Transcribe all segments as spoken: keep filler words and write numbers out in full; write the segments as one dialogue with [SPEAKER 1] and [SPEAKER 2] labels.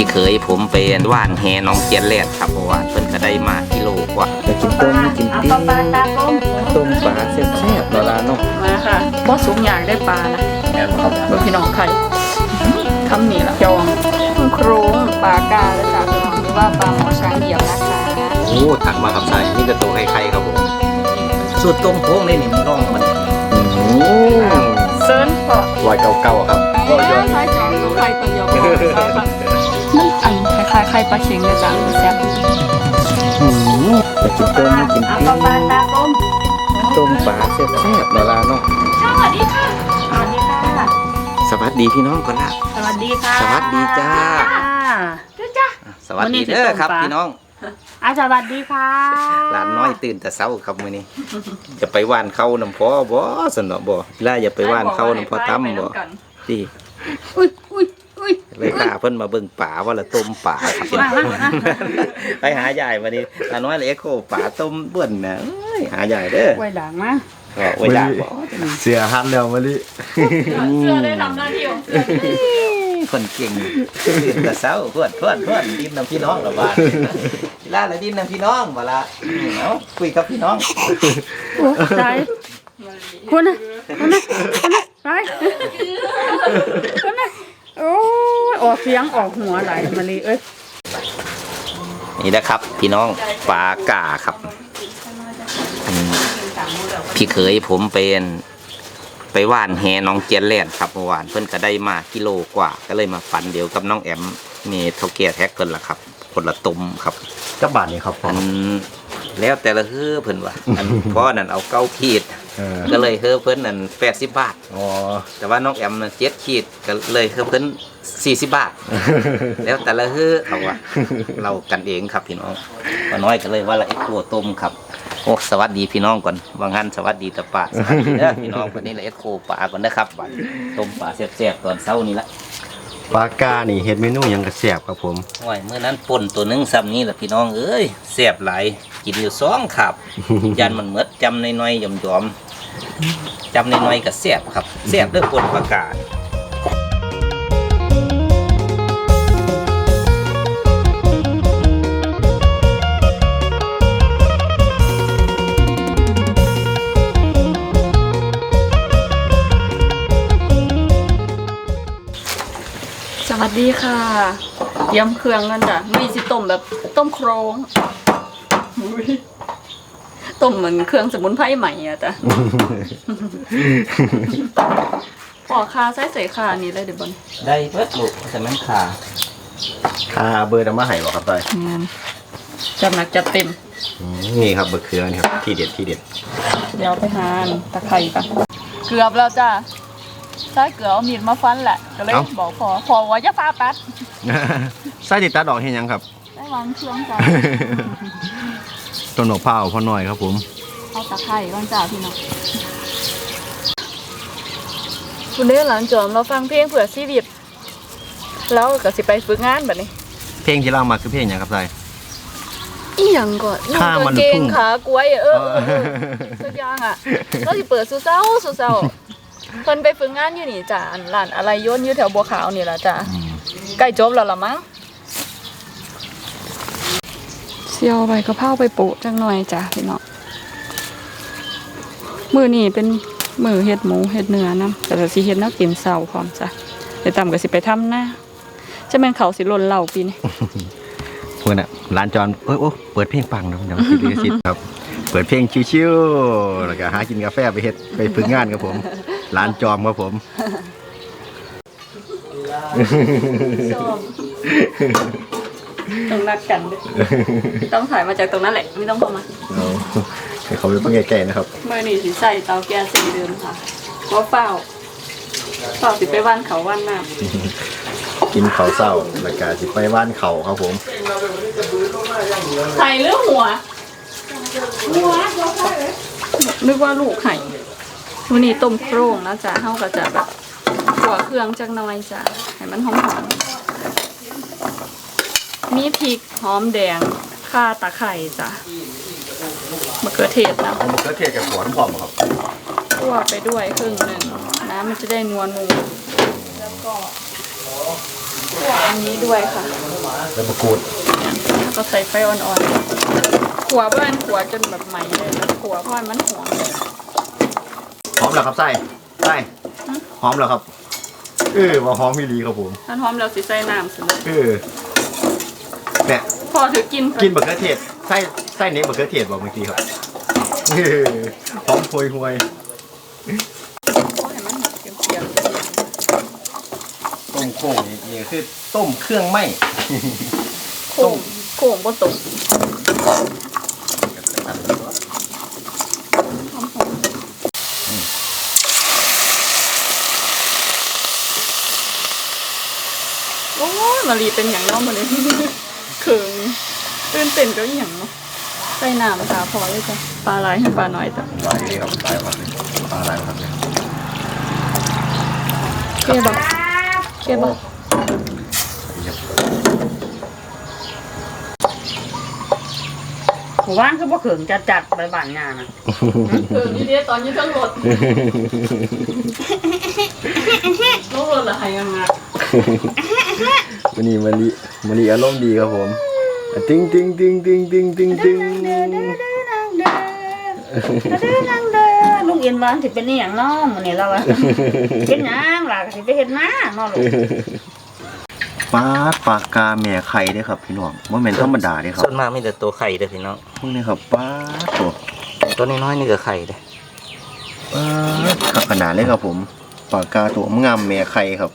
[SPEAKER 1] เคยผมเป็นว่านแหน้องเจียนแรดครับเพราะว่าเพิ่นก็ได้มากิโลกว่าจะกินต้มกินปีต้มปลาตาต้มต้มปลาแซ่บๆเนาะล่ะเนาะ
[SPEAKER 2] มาค่ะบ่สูงอย่างได้ปลานะ
[SPEAKER 1] แม่นครับ
[SPEAKER 2] เบิ่งพี่น้องไข่คำนี้ล่ะจองโครงปลากาและจ้ะพี่น้องหรือว่าปลาหมอช้างเดี่ยวนะคะ
[SPEAKER 1] โอ้ถักมาครับใช่นี่ก็ตัวไข่ๆครับผมสูตรต้มโค้งนี่นี่มันน้องมันโอ้
[SPEAKER 2] เซิร์นพอ
[SPEAKER 1] รอยเก่าๆครับ
[SPEAKER 2] ก็ยอดไข่จองดูไข่ตัวเดียวมันอันคล้ายๆไข่ปลาเค็งเลยจ้ะแซ่บ
[SPEAKER 1] จะกินต้มกินปีต้มปลาตาต้มต้มปลาแซ่บๆเนาะล่ะเนาะ
[SPEAKER 2] สวัสดีค่ะสวัสดีค่ะ
[SPEAKER 1] สวัสดีพี่น้องก่อนละ
[SPEAKER 2] สวัสดีค่ะ
[SPEAKER 1] สวัสดีจ้า
[SPEAKER 2] จ้า
[SPEAKER 1] สวัสดีเด้อครับพี่น้อง
[SPEAKER 2] อ่ะสวัสดีค่ะ
[SPEAKER 1] หลานน้อยตื่นแต่เช้าครับมื้อนี้จะไปว่านเข้าน้ำพ่อบ่สนอบ่ล่าอย่าไปว่านเข้าน้ำพ่อตั้มบ่สิ
[SPEAKER 2] อุ้ยอุ้ยอุ้ย
[SPEAKER 1] เลยพาเพิ่นมาเบิ่งป่าว่าละต้มป่าไปหายายวันนี้หลานน้อยเลยเอ็กโคป่าต้มเบิ่นน่ะเอ้ยหายายเด้อ
[SPEAKER 2] ไว้ด่างมา
[SPEAKER 1] ก็ไว้ด่างบ่
[SPEAKER 3] เสียหันแล้วมะลิ
[SPEAKER 2] เสื้อได้ทำหน้าที่ของเสื้อ
[SPEAKER 1] คนเก่งตื่นแต่เช้าเพื่อนเพื่อนเพื่อนดินน้ำพี่น้องละบาดล่าละดินน้ำพี่น้องบ่ละเอ้าคุยกับพี่น้อง
[SPEAKER 2] ใช่คุณน่ะคุณน่ะคุณน่ะไปคุณน่ะโอ้ยออกเสียงออกหัวไหลมาลีเอ้ย
[SPEAKER 1] นี่นะครับพี่น้องปลากาครับพี่เคยผมเป็นไปว่านแหน้องเจียนแรดครับเมื่อวานเพิ่นก็ได้มากิโลกว่าก็เลยมาฟันเดียวกับน้องแอมมีเท่าแก่แท็กเกินละครับคนละตุ่มครับ
[SPEAKER 3] จับบาทนี่ครับ
[SPEAKER 1] อันแล้วแต่ละเฮ้อเพิ่นว่าอันพ่อนั่นเอาเก้าขีดก็เลยเฮ้อเพิ่นนั่นแปดสิบบาท
[SPEAKER 3] อ๋อ
[SPEAKER 1] แต่ว่าน้องแอมนั่นเจ็ดขีดก็เลยเฮ้อเพิ่นสี่สิบบาทแล้วแต่ละเฮ้อเขาว่าเรากันเองครับพี่น้องว่าน้อยก็เลยว่าละเอ็กโคต้มครับโอ้สวัสดีพี่น้องก่อนบางท่านสวัสดีตะปะสวัสดีเด้อพี่น้องวันนี้ละเอ็กโคปลาก่อนนะครับต้มปลาแซ่บๆตอนเช้านี้ละ
[SPEAKER 3] ปลากานี่เฮ็ดเมนูยังกระแซ่บครับผม
[SPEAKER 1] โอ้ยเมื่อนั้นป่นตัวนึงซ้ำนี้แหละพี่น้องเอ้ยแซ่บหลายกินอยู่สองขับยันมันเหมือดจำน้อยๆหย่อมๆจำน้อยๆกับแซ่บครับแซ่บด้วยป่นปลากา
[SPEAKER 2] สวัสดีค่ะเตรียมเครื่องกันจ้ะมีสิต้มแบบต้มโครงต้มเหมือนเครื่องสมุนไพรใหม่อะจ้ะปอกคาใส่ใส่คานี่ได้เดี๋ยวบอล
[SPEAKER 1] ได้เบิดลูกแต่มันขา
[SPEAKER 3] คาเบอร์ดมาให้บ่ครับต้อย
[SPEAKER 2] งานจัดหนักจัดเต็ม
[SPEAKER 3] นี่ครับเบอร์เครือนี่ครับที่เด็ดที่เด็ด
[SPEAKER 2] เดี๋ยวไปหาตะไคร้กันเกือบแล้วจ้ะใช้เกลือเอามีดมาฟันแหละก็เลยบอกพอพอว่าจะฟาตัด
[SPEAKER 3] ใส่ติดตาดอกเห็นยังครับ
[SPEAKER 2] ได้วางเครื่องจ้า
[SPEAKER 3] ต้นหนกเผาพ่อหน่อยครับผม
[SPEAKER 2] เอาตะไคร้ก่อนจ้าพี่น้องคุณเด้หลานจอมเราฟังเพลงเผื่อชีวิตแล้วก็สิไปฝึกงานแบบนี้
[SPEAKER 3] เพลงที่เรามาคือเพลงอย่างครับใส่
[SPEAKER 2] อีหยังก่อนลูกตัวเก่งขากล้วยเออสักอย่างอ่ะก็สิเปิดสู้เศร้าสู้เศร้าคนไปฝึกงานอยู่นี่จ้ะร้านอะไรย่นอยู่แถวบัวขาวนี่แหละจ้ะใกล้จบแล้วล่ะมั้งเสี่ยวใบกะเพราไปโปะจังหน่อยจ้ะพี่น้องมื้อนี้เป็นมื้อเฮ็ดหมูเฮ็ดเนื้อนะแต่สิเฮ็ดแนวกินเช้าพร้อมจ้ะเดี๋ยวตามก็สิไปทำหน้าจะแม่นเขาสิหล่นเหล่าปีนี้
[SPEAKER 3] เพิ่นน่ะร้านจอนโอ้โอ้เปิดเพลงปังนะเดี๋ยวสิลิขสิทธิ์ครับเปิดเพลงชิวๆแล้วก็หากินกาแฟไปเฮ็ดไปฝึกงานครับผมร้านจอมครับผม
[SPEAKER 2] ต้องนัดกันด้วยต้องถ่ายมาจากตรงนั้นแหละไม่ต้องเข้ามา
[SPEAKER 3] เขาไปเพิ่งแก่ๆนะครับ
[SPEAKER 2] เมื่อนี่สิใส่เตาแก๊สสีเดิมค่ะเพราะเฝ้าเฝ้าสิไปว่านเขาว่านน้
[SPEAKER 3] ำกินเขาเศร้าแล้วก็สิไปว่านเขาครับผม
[SPEAKER 2] ไข่หรือหัวหัวนึกว่าลูกไข่วันนี้ต้มโครงแล้วจ้ะเท่ากับจะแบบหัวเครื่องจังน้อยจ้ะให้มันหอมๆมีพริกหอมแดงข่าตะไคร้จ้ะมะเขือเทศนะ
[SPEAKER 3] มะเขือเทศกับหัวน้ำหอมครับ
[SPEAKER 2] คั่วไปด้วยครึ่งหนึ่งน้ำมันจะได้นัวนูแล้วก็คั่วอันนี้ด้วยค่ะ
[SPEAKER 3] ใบมะกรูด
[SPEAKER 2] แล้วก็ใส่ไฟอ่อนๆขัวบ้านขัวจนแบบใหม่เลยแล้วขัวเพราะมันหอม
[SPEAKER 3] หอมแล้วครับไส้ไส้หอมแล้วครับเออว่าหอมมีดีครับผม
[SPEAKER 2] ถ้าหอมแล้วสิใส่น้ำสิเลย
[SPEAKER 3] เออเนี่ย
[SPEAKER 2] พอถือกิน
[SPEAKER 3] กินบะเขือเทศไส้ไส้เน้นบะเขือเทศบอกเมื่อกี้ครับเออหอมห่วยห่วย
[SPEAKER 2] พอให้มันเปรี้ยว
[SPEAKER 3] ต้มโค้งนี่นี่คือต้มเครื่องไหม้
[SPEAKER 2] ๆโค้งโค้งบ่ตกโอ้ยมารีเป็นอย่างน้องมาเลย เขิงตื่นเต้นก็อย่างเนาะใส่น้ำค่ะพอเลยจ้ะปลาไหลให้ปลาหน่อยจ้ะ
[SPEAKER 3] ลายเลยครับลายครับปลาลายครับเนี่ย
[SPEAKER 2] เคี่ยวบ่เคี่ยวบ่
[SPEAKER 4] หมู่บ้านคือบ่เขิงจัดจัดไปบ้านงานนะ
[SPEAKER 2] เขิงนี่เดียวตอนนี้ทั้งรถรถรถละหายังไง
[SPEAKER 3] วันนี้มันดีมันดีอารมณ์ดีครับผมติ้งติ้งติ้งติ้งติ้งติ้งติ้ง
[SPEAKER 4] ลุงเอ็นบ้านสิเป็นนี่อย่างน้องมื้อนี้เราอะเป็นหยังล่ะก็สิไปเฮ็ดนาเนาะลูก
[SPEAKER 3] ปลาปลากาแม่ไข่เด้อครับพี่น้องว่าแม่นธรรมดาเด้อครับ
[SPEAKER 1] ส่วนมากมีแต่ตัวไข่เด้อพี่น้อง
[SPEAKER 3] พวกนี้ครับปลาตัว
[SPEAKER 1] ตัวน้อยๆนี่ก็ไข่เด้อ
[SPEAKER 3] ปลาขับขนาดเลยครับผมปลากาตัวงามแม่ไข่ครับ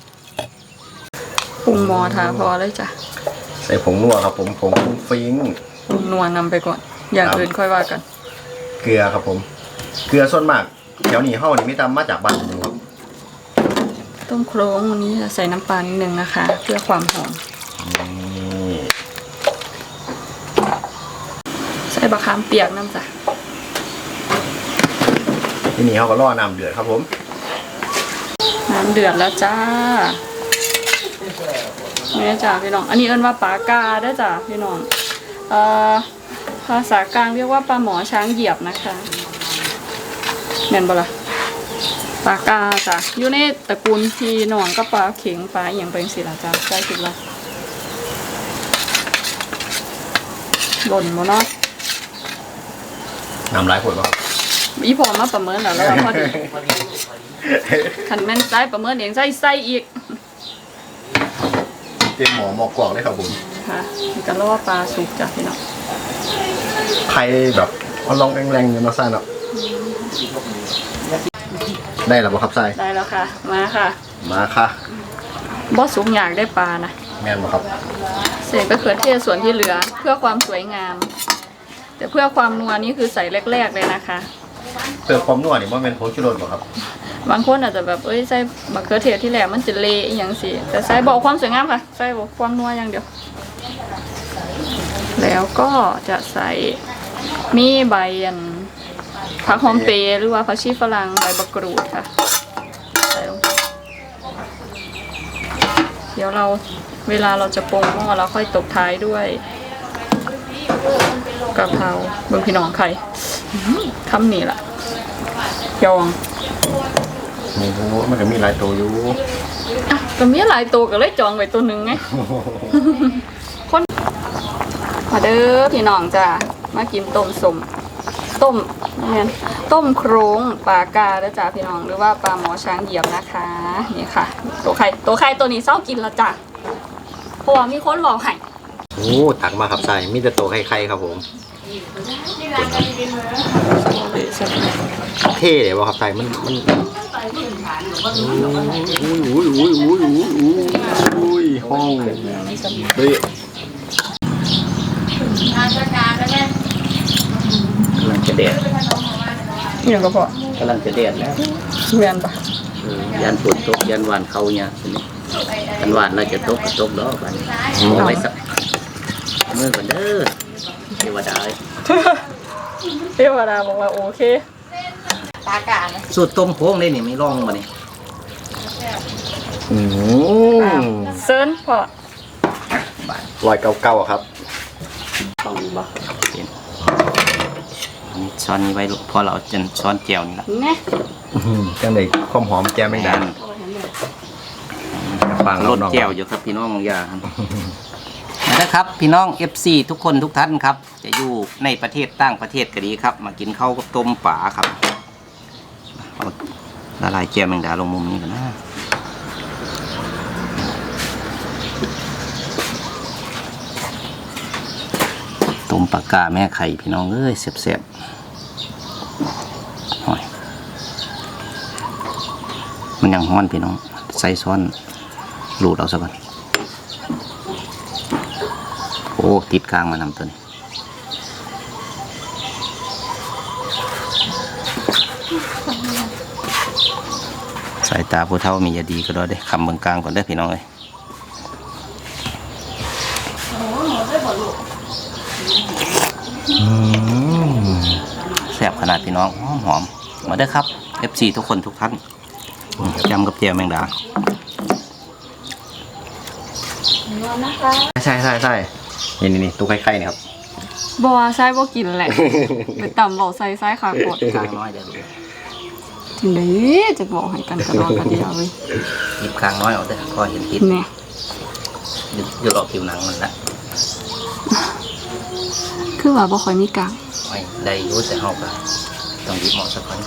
[SPEAKER 2] ปรุงหมอทาพอเลยจ้ะ
[SPEAKER 3] ใส่ผงนัวครับผมผงฟุ้งฟิ้ง
[SPEAKER 2] ปรุงนัวนำไปก่อน อย่างอื่นค่อยว่ากัน
[SPEAKER 3] เกลือครับผม เกลือส่วนมากแถวนี้เฮานี่ไม่ตามมาจากบ้านผมครับ
[SPEAKER 2] ต้มโครงวันนี้จะใส่น้ำปลานิดนึงนะคะ เพื่อความหอม
[SPEAKER 3] นี่
[SPEAKER 2] ใส่บะขามเปียกน้ำจ้ะ
[SPEAKER 3] ที่นี่เขาก็ล่อน้ำเดือดครับผม
[SPEAKER 2] น้ำเดือดแล้วจ้านี่จ้ะพี่น้อง อันนี้เอิ้นว่าปลากาได้อจ้ะพี่น้องเอ่อภาษากลางเรียกว่าปลาหมอช้างเหยียบนะคะแม่นบ่ล่ะปลากาจ้ะอยู่ในตระกูลพี่น้องก็ปลาเข็งปลาอหย่างเป็นสิล่ะจ้ะได้คิดว่าหล่นบ่เนาะ
[SPEAKER 3] น้ำลายขวดป่ะ
[SPEAKER 2] อีพอมาประเมินแล้วแล้วว่าพอดีคันแม่นใส่ประเมินเองใส่ใส่อีก
[SPEAKER 3] เต็มหมอหมอกกวางเลยครับผม
[SPEAKER 2] ค่ะนี่ก็รอปลาสุกจ้ะพี่น้อง
[SPEAKER 3] ไข่แบบเอาลองแรงๆกันมาใส่เนาะได้แล้วบ่ครับใส่
[SPEAKER 2] ได้แล้วค่ะ มาค่ะ
[SPEAKER 3] มาค่ะ
[SPEAKER 2] บ่สุกอยากได้ปลานะ
[SPEAKER 3] แม่นบ่ครับ
[SPEAKER 2] เศษมะเขือเทศส่วนที่เหลือเพื่อความสวยงาม แต่เพื่อความนัวนี่คือใส่แรกๆเลยนะคะ
[SPEAKER 3] เติมความนัวนี่บ่แม่นผงชูรสบ่ครับ
[SPEAKER 2] บางคนอาจจะแบบเอ้ยใส่มะเขือเทศที่แรกมันจะเละอหย่างสิแต่ใส่บอกความสวยงามค่ะใส่บอกความนัวอย่างเดียว แล้วก็จะใส่มีใบอันผักหอมเปรย์หรือว่าผักชีฝรั่งใบมะกรูดค่ะใส่ลงเดี๋ยวเราเวลาเราจะปรุงหม้อเราค่อยตบท้ายด้วยกะเพราเบิ่งพี่น้องไข่อื้อหือคำนี้ล่ะยอง
[SPEAKER 3] โอ้โหมันก็มีหลายตัวอยู่
[SPEAKER 2] อ่ะก็มีหลายตัวก็เลยจองไว้ตัวหนึ่งไง คนมาเด้อพี่น้องจ้ะมากินต้มสมต้มเนี่ยต้มโครงปลากาเด้อจ้ะพี่น้องหรือว่าปลาหมอช้างเหยียบนะคะนี่ค่ะ ตัวไข่ตัวไข่ตัวนี้เศร้ากินและจ้ะเพราะว่ามีคนบอกให้
[SPEAKER 3] โอ้ตักมาครับใส่มีแต่ตัวไข่ๆครับผมเท่เลยบ่ครับใส่มันมันอุ้ยอุ้ยอุ้ยอุ้ยอุ้ยอุ้ยห้องเฮ้ย
[SPEAKER 1] กำลังจะเด็ด
[SPEAKER 2] อย่างก็พอก
[SPEAKER 1] ำลังจะเด็ดแล้ว
[SPEAKER 2] เวียนปะ
[SPEAKER 1] เออยันฝนตกยันหวานเขาเนี่ยทีนี้กันหวานเราจะตกก็ตกดอกกันเอาไว้สักเมื่อก่อนเด้อเทวดาเอ้ย
[SPEAKER 2] เทวดาบอกว่าโอเคปลากา
[SPEAKER 1] สูตรต้มโค้งได้นี่ไม่ลองมาเนี่ย
[SPEAKER 3] อืม
[SPEAKER 2] เซิร์นพอ
[SPEAKER 3] รอยเก่าๆอะครับ
[SPEAKER 2] ต้องบอก
[SPEAKER 1] อันนี้ช้อนนี้ไว้ลูกพอเราจนช้อนแจ่วนี่ละ
[SPEAKER 2] เนี่ย
[SPEAKER 3] จังเลยความหอมแก้มแมงดาฟัง
[SPEAKER 1] ร
[SPEAKER 3] เรา
[SPEAKER 1] ส
[SPEAKER 3] น้อง
[SPEAKER 1] แจ่วอยู่ครับพี่น้องอย่าครับนะครับพี่น้อง เอฟ ซี ทุกคนทุกท่านครับจะอยู่ในประเทศต่างประเทศก็ดีครับมากินข้าวกับต้มป่าครับเอาละลายแก้วแมงดาลงมุมนี้กันนะต้มปลากาแม่ไข่พี่น้องเอ้ยเสียบๆหอยมันยังฮ้อนพี่น้องใส่ซ้อนหลูดเอาซะก่อนโอ้ติดกลางมานำตัวนี้สายตาผู้เฒ่ามีอย่าดีก็ได้เด้คำเบื้องกลางก่อนได้พี่น้องเลยแซ่บขนาดพี่น้องหอมๆมาได้ครับ เอฟ ซี ทุกคนทุกท่านจำกับเจียวแมงดา
[SPEAKER 3] ใช่ใช่ใช่นี่นี่นี่ตู้ไข่ไข่เนี่ยครับ
[SPEAKER 2] บ่ใส่บ่กินแหละไปต่ำเบาใส่ใส่ขาปด
[SPEAKER 1] กลางน้อยเดี๋ยวดู
[SPEAKER 2] ถึงนี้จะบอกให้กันกระดอนกระเดียวเลย
[SPEAKER 1] หยิบกลางน้อยออกเด้อพอเห็นติด
[SPEAKER 2] เนี่ย
[SPEAKER 1] หยุดหยุดออกผิวหนังมันละ
[SPEAKER 2] คือว่าบ่ค่อยมีกลาง
[SPEAKER 1] ไว้ได้อยุ่แต่เฮาก็ต้องหยิบเหมาะสักคน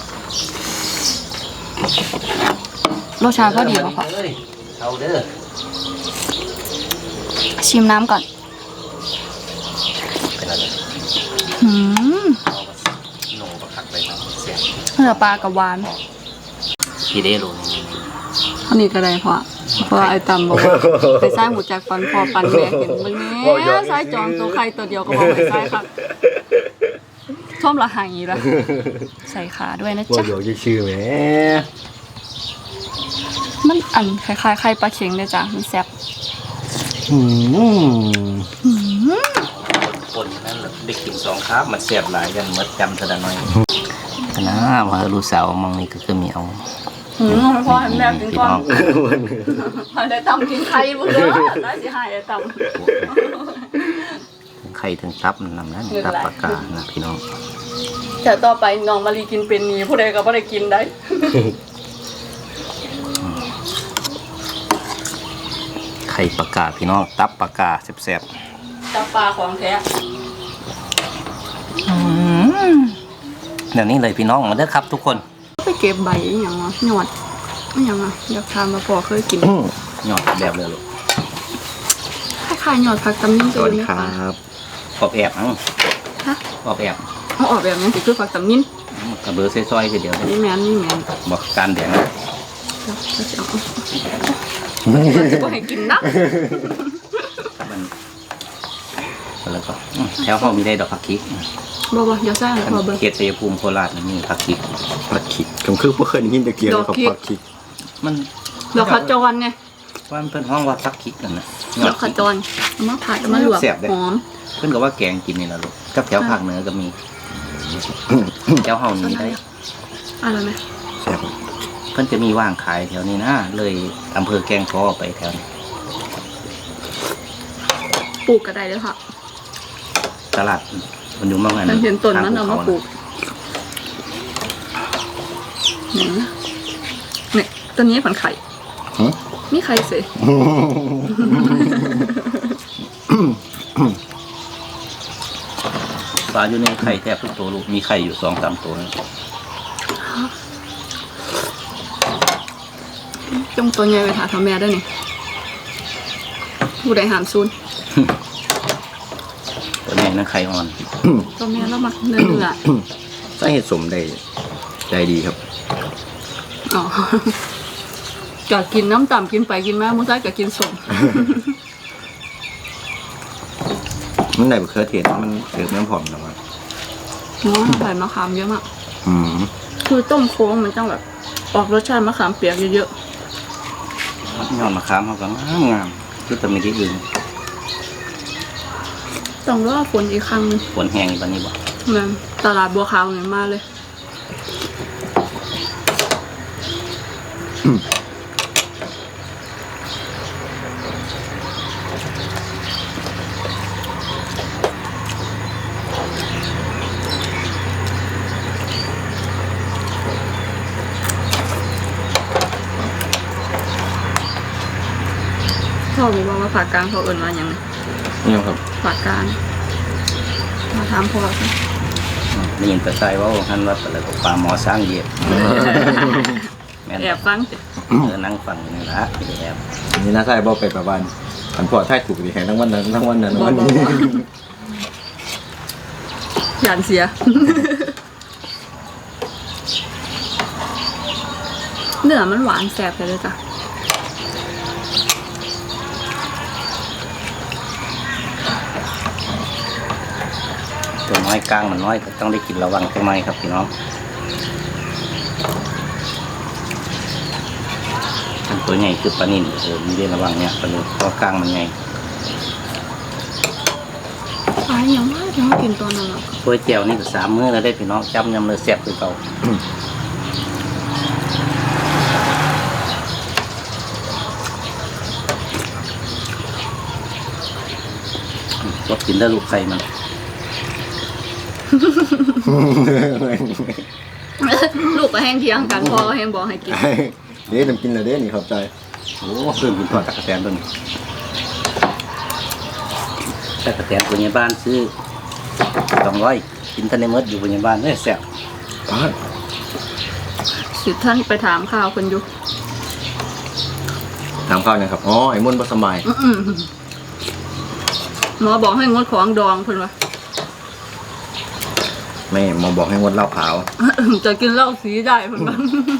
[SPEAKER 2] รสชาติก็ดีบ่พอ
[SPEAKER 1] เอ้ยเอาเด้อ
[SPEAKER 2] ชิมน้ำก่อน
[SPEAKER 1] เป็นอะไร
[SPEAKER 2] หืม
[SPEAKER 1] เอาก็โหนบักคักไปครับเสียง
[SPEAKER 2] เนื้อปลากับหวาน
[SPEAKER 1] พี่เด้รู้
[SPEAKER 2] อันนี้ก็ได้พอเพราะว่าไอ้ตำบอกว่าไปใส่หูจากฟันพอปันแม่เห็นมึงแม่ใส่จองตัวไข่ตัวเดียวก็บอกไปใส่ครับชอบละหายละใส่ขาด้วยนะ
[SPEAKER 3] ว่า
[SPEAKER 2] จ๊ะ
[SPEAKER 3] เดี๋ยวจะชื่อแหม
[SPEAKER 2] มันอันคล้ายๆไข่ปลาเค็งเลยจ้ะมันแซ่บ
[SPEAKER 3] อืม
[SPEAKER 1] คนนั้นได้กินสองครับมันเสียบหลายกันเมื่อจำเท่านั้นอยนะว่าลูกสาวมองนี่ก็คือมีเอา
[SPEAKER 2] หืมให้พ่อให้แม่กินก่อนพอได้ตำกินไข่บุ้งเด้อได้สิหายไอ้ตำ
[SPEAKER 1] ถึงไข่ถึงตับนำนั้นตับปากกานะพี่น้อง
[SPEAKER 2] แต่ต่อไปน้องมารีกินเป็นนี้ผู้ใดก็บ่ได้กินได้
[SPEAKER 1] ไข่ปากกาพี่น้องตับปากกาแซ่บ
[SPEAKER 2] จับปลาของแท้
[SPEAKER 1] ๆเดี๋ยวนี้เลยพี่น้องมาเด้อครับทุกคน
[SPEAKER 2] ไปเก็บใบอหย่างวะหยอดอหย่างอ่ะอยากทานมาพอเคยกิน
[SPEAKER 1] หยอดแบบเลยลูก
[SPEAKER 2] คล้ายๆหยอดผักตำนิ้น
[SPEAKER 3] สวัสดี
[SPEAKER 2] ไหม
[SPEAKER 3] ครั
[SPEAKER 2] คะ
[SPEAKER 3] บ
[SPEAKER 1] ปอบแอบเอ้า
[SPEAKER 2] ฮะ
[SPEAKER 1] ปอบแอบ
[SPEAKER 2] เอาออกแบบนี้สิคือผักตำนิ้น
[SPEAKER 1] กระเบือซอยๆคือเดียวเลย
[SPEAKER 2] นี่แมนนี่แมน
[SPEAKER 1] บอกการแดงนะ
[SPEAKER 2] เดี๋ยวจะเอาจะบ่ให้กินนะ
[SPEAKER 1] มันแล้วก็อืมแถวเขามีได้ดอกผักคิก
[SPEAKER 2] บ่บ่เดี๋ยวสร้างพอเบิ่ง
[SPEAKER 1] เขตชัยภูมิโคราชนี่มีผักคิก
[SPEAKER 3] ผักขิดผมคือบ่เคยได้ยินตะเกียบกับผักขิด
[SPEAKER 1] มัน
[SPEAKER 2] ดอกขจรไง
[SPEAKER 1] ว่ามันเป็นห้องว่าผักคิกกันนะ
[SPEAKER 2] ดอกขจรเอามาผัดเอามาลวก
[SPEAKER 1] แซ่บเด้
[SPEAKER 2] หอม
[SPEAKER 1] เพิ่นก็ว่าแกงกินนี่แหละลูกกับแถวภาคเหนือก็มีแถวเฮานี่ได้
[SPEAKER 2] อะไรไหม
[SPEAKER 3] แซ่บ
[SPEAKER 1] เพิ่นจะมีว่างขายแถวนี้นะเลยอำเภอแกลงคอไปแถวนี้
[SPEAKER 2] ปลูกก็ได้เด้อค่ะ
[SPEAKER 1] ตลาดมันอยู่เมื่อไง
[SPEAKER 2] มันเห็นต้นมันเอามาปลูกนี่นี่ตัวนี้ผันไข่
[SPEAKER 3] หึ
[SPEAKER 2] มีไข่สิ
[SPEAKER 1] ปลาอยู่ในไข่แทบทุกตัวลูกมีไข่อยู่สองสามตัวนะ
[SPEAKER 2] จงตัวใหญ่ไปหาทำแม่ได้นี่ผู้ใดหามซูน
[SPEAKER 1] ตัวนี้นั่นไข่อ่อน
[SPEAKER 2] ตัวแม่แล้วมักเนื้อเนื้อ
[SPEAKER 3] สาเหตุสมได้ได้ดีครับ
[SPEAKER 2] อ๋อก็กินน้ำต่ำกินไปกินมามุ้งซ้ายก็กินสม
[SPEAKER 3] มันได้บะเขือเทศมันเสิร์ฟน้ำหอมนะว่า
[SPEAKER 2] เนาะใส่มะขามเยอะมาก
[SPEAKER 3] อืม
[SPEAKER 2] คือต้มโค้งมันต้องแบบออกรสชาติมะขามเปียกเยอะ
[SPEAKER 1] ยอดมะขามเขาก็งามงามคือแต่ไม่ได้อื่น
[SPEAKER 2] ๆต้องรอฝนอีกครั้งหนึง
[SPEAKER 1] ฝนแห้งอีกวันนี้บ่
[SPEAKER 2] นั่นตลาดบัวขาวเงินมาเลย พ่อบอกว่าภาคกลางเขาเอิ่นว่าหยัง
[SPEAKER 3] นี่ครับ
[SPEAKER 2] ฝากการมาถามพ่อสิ
[SPEAKER 1] ได้ยินแต่ใส่ว่าท่านว่าอะไรก็ปลาหมอสร้างเหยียบแม่น
[SPEAKER 2] แอบฟัง
[SPEAKER 1] เออนั่งฟังนี่ละไม่ได้แอบ
[SPEAKER 3] นี่น่าใช่บ่ไปประมาณอันพอท้ายถูกดีแห่งทั้งวันนั้นทั้งวันนั้น
[SPEAKER 2] บ่
[SPEAKER 3] วัน
[SPEAKER 2] บ่
[SPEAKER 3] นี้
[SPEAKER 2] บ่หยานเสีย เนื้อมันหวานแสบเลยจ้ะ
[SPEAKER 1] ตัวน้อยกลางมันน้อยก็ต้องได้กินระวังใช่ไหมครับพี่น้องอันตัวใหญ่คือปลานิ่มเออมีได้ระวังเนี่ยปลาลูกตัวกลางมันใหญ่
[SPEAKER 2] ปลาอย่างว่าจะมากินตัวนั้นหรอ
[SPEAKER 1] ตัวแจ่วนี่ก็สามมื้อแล้วได้พี่น้องจำยำเลยแซ่บคือเก่าก็กินได้ลูกไข่มัน
[SPEAKER 2] ลูกก็แห้งเทียงกันพ่อก็แห้งบอกให้กิน
[SPEAKER 3] เด้น้ำกินละเด้นี่ขอบใจ
[SPEAKER 1] โอ้เพิ่มกินทอดตะกะแตนตัวนี้ตะกะแตนตัวนี้บ้านซื้อสองร้อยกินทันในเมดอยู่บนบ้านเนี่ยแซ่บ
[SPEAKER 3] ปาด
[SPEAKER 2] สิท่านไปถามข่าวคนอยู่
[SPEAKER 3] ถามข้าวหนะครับอ๋อไอ้มุ่นบ่สมัย
[SPEAKER 2] อื้อหือหมอบอกให้งดของดองเพิ่นว่า
[SPEAKER 3] แม่หมอบอกให้งดเหล้าขาว
[SPEAKER 2] จะกินเหล้าสีได้เพิ่นว่า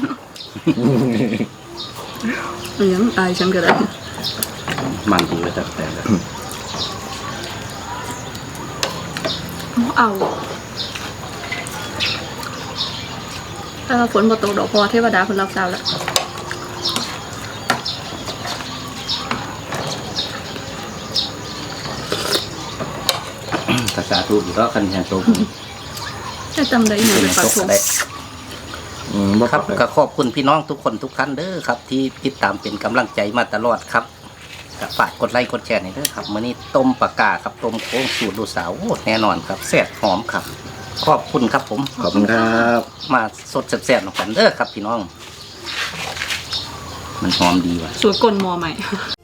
[SPEAKER 2] เลี้ยงอายฉันก็ได้
[SPEAKER 1] มันดีเลยตะกะแตน
[SPEAKER 2] เอาถ้าฝนบ่ตกดอกพอเทวดาเพิ่นรับทราบแล้ว
[SPEAKER 1] ภาษาทูกก็คันแทนโตก
[SPEAKER 2] ให้จำได้อยู่
[SPEAKER 1] เป็น
[SPEAKER 2] ในปาก
[SPEAKER 1] โตก
[SPEAKER 2] ทง
[SPEAKER 1] ได้
[SPEAKER 3] อืมบ่
[SPEAKER 1] ครับ
[SPEAKER 3] เลย
[SPEAKER 1] ก็ขอบคุณพี่น้องทุกคนทุกท่านเด้อครับ ที่ติดตามเป็นกำลังใจมาตลอดครับก็ฝากกดไลค์กดแชร์หน่อยเด้อครับมื้อนี้ต้มปลากาครับต้มโค้งสูตรลูกสาวโอ้แน่นอนครับแซ่บหอมครับ ขอบคุณครับผม
[SPEAKER 3] ขอบคุณครับ
[SPEAKER 1] มาสดแซ่บๆหน่อยกันเด้อครับพี่น้อง มันหอมดีว่ะ
[SPEAKER 2] สวยกลนมอใหม่